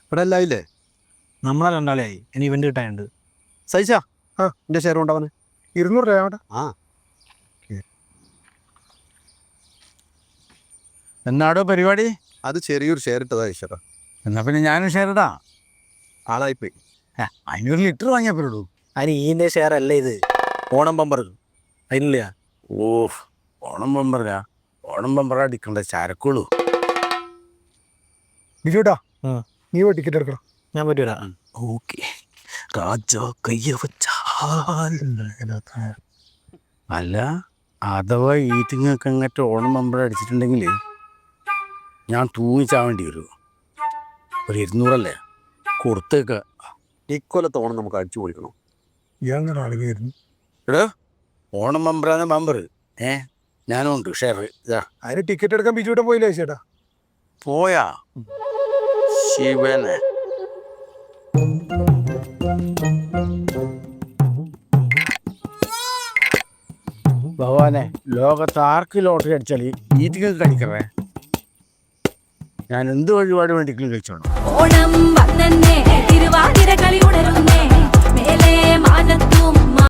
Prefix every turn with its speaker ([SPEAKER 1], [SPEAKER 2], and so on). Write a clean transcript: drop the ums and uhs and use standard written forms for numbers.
[SPEAKER 1] ഇവിടെ എല്ലാം ഇല്ലേ?
[SPEAKER 2] നമ്മളെ രണ്ടാളെയായി ഇനി ഇവന്റ് കിട്ടാനുണ്ട്.
[SPEAKER 1] സഹിച്ചാ എൻ്റെ ഷെയർ കൊണ്ടാവന്
[SPEAKER 3] 200 രൂപ.
[SPEAKER 1] ആ
[SPEAKER 4] എന്നാടോ പരിപാടി?
[SPEAKER 1] അത് ചെറിയൊരു ഷെയർ ഇട്ടതാ ഈശ്വര.
[SPEAKER 4] എന്നാ പിന്നെ ഞാനും ഷെയർ ഇടാ.
[SPEAKER 1] ആളായിപ്പോയി.
[SPEAKER 4] 500 ലിറ്റർ വാങ്ങിയപ്പോഴൂ.
[SPEAKER 2] അതിന് ഈൻ്റെ ഷെയർ അല്ല ഇത്, ഓണം ബമ്പർ അതിനില്ല.
[SPEAKER 4] ഓ ഓണം ബമ്പറാ? ഓണം ബമ്പറ അടിക്കണ്ട ചരക്കുള്ളൂ.
[SPEAKER 3] ബിജുട്ടാ, നീ പോയി ടിക്കറ്റ് എടുക്കണം.
[SPEAKER 2] ഞാൻ പറ്റൂല.
[SPEAKER 4] ഓക്കെ രാജാ കയ്യ വച്ചാൽ. അല്ല അഥവാ ഈറ്റിങ്ങൊക്കെ അങ്ങോട്ട് ഓണം ബമ്പറ അടിച്ചിട്ടുണ്ടെങ്കിൽ ഞാൻ തൂങ്ങിച്ചാവേണ്ടി വരും. ഒരു 200 കൊടുത്തേക്ക.
[SPEAKER 1] ഇക്കൊല്ലത്തെ ഓണം നമുക്ക് അടിച്ചു പൊളിക്കണം.
[SPEAKER 3] ഇയാളെ ആളുകയായിരുന്നു.
[SPEAKER 4] എടോ ഓണം ബമ്പറാണ് ബമ്പർ. ഞാനും ഉണ്ട് ഷെയർ. ഇതാ
[SPEAKER 3] അതിന് ടിക്കറ്റ് എടുക്കാൻ ബിജുട്ടൻ പോയില്ലേ ചേട്ടാ?
[SPEAKER 4] പോയാ ശിവനെ. ഭഗവാനെ, ലോകത്ത് ആർക്ക് ലോട്ടറി അടിച്ചാൽ ഈറ്റിങ്ങൾക്ക് കഴിക്കറേ. ഞാൻ എന്ത് വഴിപാട് വേണ്ടിക്കും കഴിച്ചോണം.
[SPEAKER 5] ഓണം വന്നേ, തിരുവാതിര കളി ഉണരുന്നേ, മേലെ മാനത്തും